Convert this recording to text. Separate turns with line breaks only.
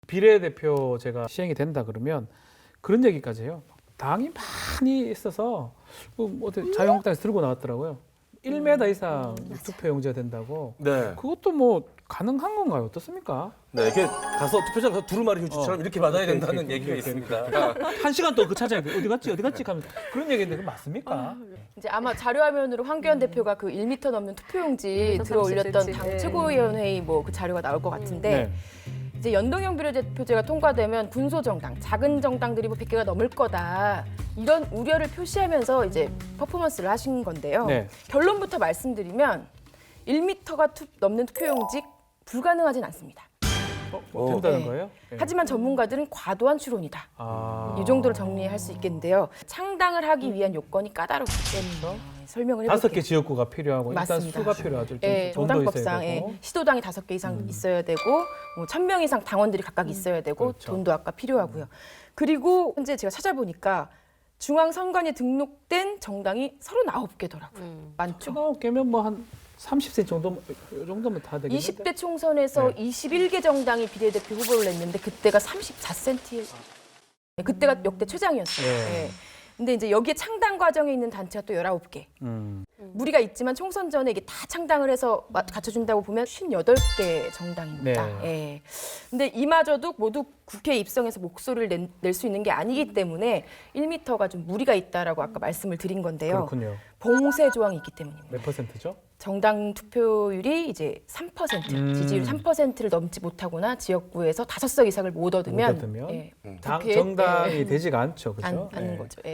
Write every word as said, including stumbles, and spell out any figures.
비례대표제가 시행이 된다 그러면 그런 얘기까지 해요. 당이 많이 있어서 뭐 어디 자유한국당에서 들고 나왔더라고요. 일 미터 이상
음,
투표용지가 된다고.
네.
그것도 뭐 가능한 건가요? 어떻습니까?
네, 이렇게 가서 투표장 가서 두루마리 휴지처럼
어.
이렇게 받아야
이렇게,
된다는
이렇게,
얘기가
이렇게,
있습니다.
한 시간 동안 그 찾아야 돼. 어디 갔지? 어디 갔지? 하면 그런 얘기인데 그거 맞습니까?
이제 아마 자료화면으로 황교안 대표가 그 일 미터 넘는 투표용지
음,
들어 올렸던
삼십 센티미터.
당
네.
최고위원회의 뭐 그 자료가 나올 것 같은데
네.
이제 연동형 비례대표제가 통과되면 군소 정당, 작은 정당들이 뭐 백 개가 넘을 거다 이런 우려를 표시하면서 이제 퍼포먼스를 하신 건데요.
네.
결론부터 말씀드리면 일 미터가 투, 넘는 투표용지 불가능하진 않습니다.
어, 뭐 된다는
네.
거예요? 네.
하지만 전문가들은 과도한 추론이다.
아.
이 정도로 정리할 수 있겠는데요. 창당을 하기 위한 요건이 까다롭기 때문에 설명을 해볼게요.
다섯 개 지역구가 필요하고
맞습니다.
일단 수가 필요하죠. 일단
예,
돈도 있어야
정당법상 예,
되고.
시도당이 다섯 개 이상 있어야 되고 뭐 천 명 이상 당원들이 각각 있어야 되고
그렇죠.
돈도 아까 필요하고요. 그리고 현재 제가 찾아보니까 중앙선관위에 등록된 정당이 서른아홉 개더라고요.
음.
많죠.
아홉 개면 뭐 한 삼십 센 정도 이 정도면 다 되겠는데.
이십 대 총선에서
네.
이십일 개 정당이 비례대표 후보를 냈는데 그때가 삼십사 센티미터. 그때가 역대 최장이었어요.
네.
예. 근데 이제 여기에 창당 과정에 있는 단체가 또 열아홉 개.
음.
무리가 있지만 총선 전에 이게 다 창당을 해서 마- 갖춰준다고 보면 오십팔 개 정당입니다.
네.
예. 근데 이마저도 모두 국회에 입성해서 목소리를 낼 수 있는 게 아니기 때문에 일 미터가 좀 무리가 있다라고 아까 말씀을 드린 건데요.
그렇군요.
봉쇄 조항이 있기 때문입니다.
몇 퍼센트죠?
정당 투표율이 이제 삼 퍼센트,
음.
지지율 삼 퍼센트를 넘지 못하거나 지역구에서 다섯 석 이상을 못 얻으면,
못 얻으면?
예,
당
국회에,
정당이
예,
되지가 않죠. 그죠?
안, 않는
예.
거죠. 예.